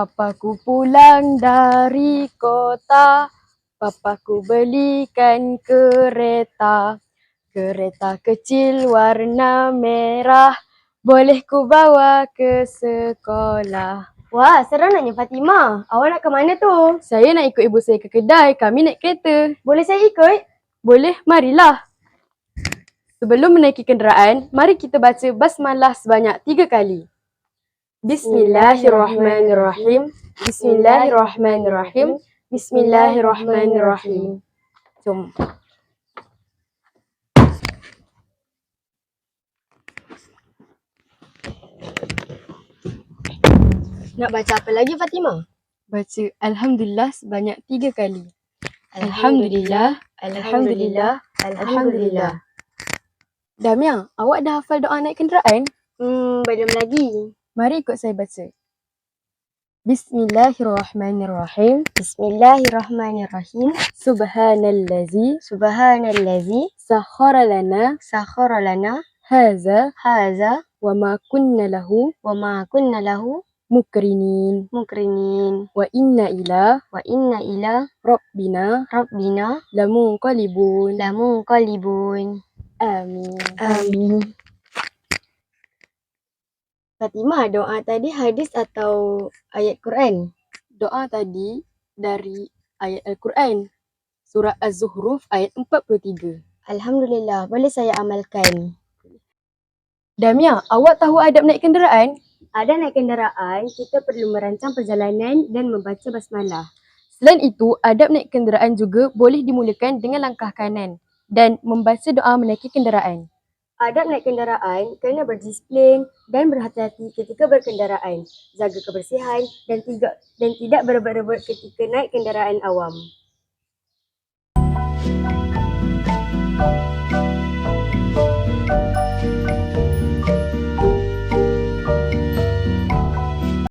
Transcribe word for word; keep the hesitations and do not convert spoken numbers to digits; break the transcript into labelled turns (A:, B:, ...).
A: Papaku pulang dari kota, papaku belikan kereta. Kereta kecil warna merah, boleh ku bawa ke sekolah.
B: Wah, seronoknya Fatimah. Awak nak ke mana tu?
A: Saya nak ikut ibu saya ke kedai, kami naik kereta.
B: Boleh saya ikut?
A: Boleh, marilah. Sebelum menaiki kenderaan, mari kita baca basmalah sebanyak tiga kali. Bismillahirrahmanirrahim. Bismillahirrahmanirrahim. Bismillahirrahmanirrahim. Jom.
B: Nak baca apa lagi Fatimah?
A: Baca Alhamdulillah sebanyak tiga kali. Alhamdulillah, Alhamdulillah, Alhamdulillah. Damia, awak dah hafal doa naik kenderaan?
B: Hmm, belum lagi.
A: Mari ikut saya baca. Bismillahirrahmanirrahim.
B: Bismillahirrahmanirrahim.
A: Subhanallazi
B: Subhanallazi
A: sakhara lana
B: sakhara lana
A: haza
B: haza
A: wa ma kunna lahu
B: wa ma kunna lahu
A: mukrinin
B: mukrinin
A: wa inna ila
B: wa inna ila
A: rabbina
B: rabbina
A: lamunqalibun.
B: lamunqalibun.
A: Amin.
B: Amin. Fatimah, doa tadi hadis atau ayat Quran?
A: Doa tadi dari ayat Al-Quran, surah Az-Zuhruf ayat empat puluh tiga.
B: Alhamdulillah, boleh saya amalkan.
A: Damia, awak tahu adab naik kenderaan?
B: Ada naik kenderaan, kita perlu merancang perjalanan dan membaca basmalah.
A: Selain itu, adab naik kenderaan juga boleh dimulakan dengan langkah kanan dan membaca doa menaiki kenderaan.
B: Adab naik kenderaan kena berdisiplin dan berhati-hati ketika berkenderaan, jaga kebersihan dan tidak dan tidak berebut-rebut ketika naik kenderaan awam.